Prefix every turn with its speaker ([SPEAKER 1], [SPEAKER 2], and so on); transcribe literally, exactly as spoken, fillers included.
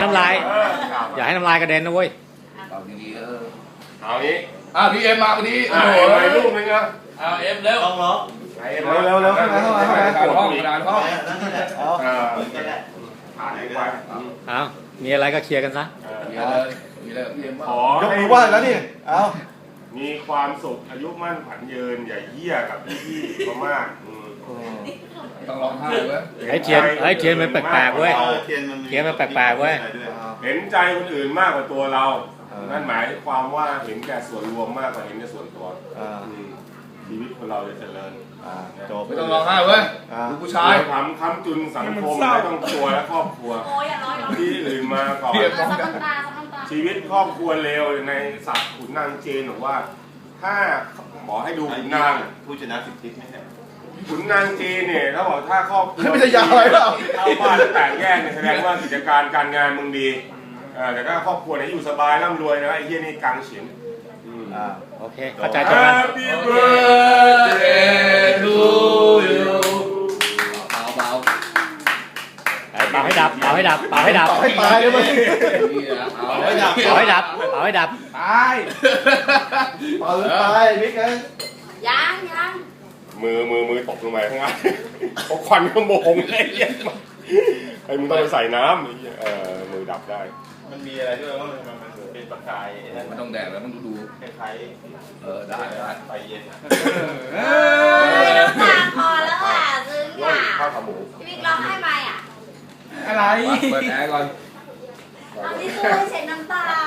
[SPEAKER 1] น้ำลายอย่าให้น้ำลายกระเด็นนะเว้ย
[SPEAKER 2] เอาดีๆเออ
[SPEAKER 3] เอางี้
[SPEAKER 2] อ่ะพี่เอ็มมาวันนี้
[SPEAKER 3] อ่า
[SPEAKER 2] โอ้โห
[SPEAKER 3] ไปลูกนึงอ่ะ
[SPEAKER 2] เอาเอ็มเร็ว
[SPEAKER 4] ต้องร้อง
[SPEAKER 3] เร็
[SPEAKER 4] เร็วเร็วเข้ามาเข้ามาเข้ามา
[SPEAKER 2] กระดานห้องกระดานห้อง
[SPEAKER 4] นั่นนี่แหละเอา
[SPEAKER 3] เออ
[SPEAKER 4] ก็ได้
[SPEAKER 3] ผ่านไป
[SPEAKER 1] เอามีอะไรก็เคลียร์กันซะ
[SPEAKER 2] มีเลยมีเลยพี่เอ็ม
[SPEAKER 3] ขอย
[SPEAKER 4] กมือไหว้แล้วนี่เอา
[SPEAKER 3] มีความสุขอายุมั่นขวัญยืนอย่าเหี้ยกับพี่ๆมากๆอืม
[SPEAKER 2] ต้องร้องไห้เว้ย
[SPEAKER 1] ไอ้เทียนไอ้เทียนมันแปลกๆเว้ย
[SPEAKER 4] เทียนมัน
[SPEAKER 1] เทียนมันแปลกๆเว้ย
[SPEAKER 3] เห็นใจคนอื่นมากกว่าตัวเรา นั่นหมายความว่าเห็นแก่ส่วนรวมมากกว่าเห็นแก่ส่วนตัว
[SPEAKER 4] อ่า
[SPEAKER 3] อืมชีวิตคนเราจะเจริญ
[SPEAKER 4] อ่าจบ
[SPEAKER 2] ไม่ต้องร้องไห้เว้ยลูกผู้ชาย
[SPEAKER 3] ทำค้ำจุนสังคมไม่ต้องตัวและครอบครัว
[SPEAKER 5] โอ้ยอย่าร้อยร้อย
[SPEAKER 3] ที่อื่นมาก่อน
[SPEAKER 2] เพียบ
[SPEAKER 5] ซับน้ำตาซับน้ำตา
[SPEAKER 3] ชีวิตครอบครัวเลวในศัพท์ขุนนางเจนบอกว่า ถ้าขอให้ดูขุนนาง
[SPEAKER 4] ผู้ชนะสิบทิศไม่ใช่
[SPEAKER 3] ขุนนางจีนเนี่ยเขาบอกถ้าครอบครัว
[SPEAKER 4] ไม่ใช่ยาวอะไรเปล่า
[SPEAKER 3] เข้าบ้านแตกแยกเนี่ยแสดงว่ากิจการการงานมึงดีเออแต่ถ้าครอบครัวเนี่ยอยู่สบายร่ำรวยนะไอ้เหี้ยนี่กังเฉียนอืม
[SPEAKER 4] อ่า
[SPEAKER 1] โอเคเข้าใจตรงกัน
[SPEAKER 3] Happy birthday to you
[SPEAKER 2] เบาเบา
[SPEAKER 1] เป่าให้ดับเป่าให้ดับเป่าให้ดับ
[SPEAKER 4] ต่อให้ตายเลยมั้ย
[SPEAKER 2] นี่นะเอา
[SPEAKER 4] เอาให้ดับ
[SPEAKER 1] เป่าให้ดับเป่าให้ดับ
[SPEAKER 4] ตายเป่าเลยตายบิ๊กเอ้ย
[SPEAKER 5] ยังยัง
[SPEAKER 3] มือมือมือตกลงไปข้างล่างเพราะควันขโมงไอ้เหี้ยไอ้มึงต้องไปใส่น้ำไอ้เหี้ยเออมือดับได้
[SPEAKER 4] มันมีอะไรด้วยว่ามันมันเหมือนเป็นประกายไอ้นั่น
[SPEAKER 2] มันต้องแดดแล้วต้องดูดู
[SPEAKER 4] คล้าย
[SPEAKER 2] เออได้ได้
[SPEAKER 4] ๆไฟเย็นอะ
[SPEAKER 5] เฮ้ยน้ำตาคอแล้วอ่ะซึ้ง
[SPEAKER 3] ร้อ
[SPEAKER 5] อ่ะ
[SPEAKER 3] ยข้าวขาหมู
[SPEAKER 5] พี่บิ๊กร้องให้ไหมอ่ะ
[SPEAKER 2] อะไรเปิดแอร์ก่อน
[SPEAKER 5] เอาที่ตู้ให้เช็ดน้ำตา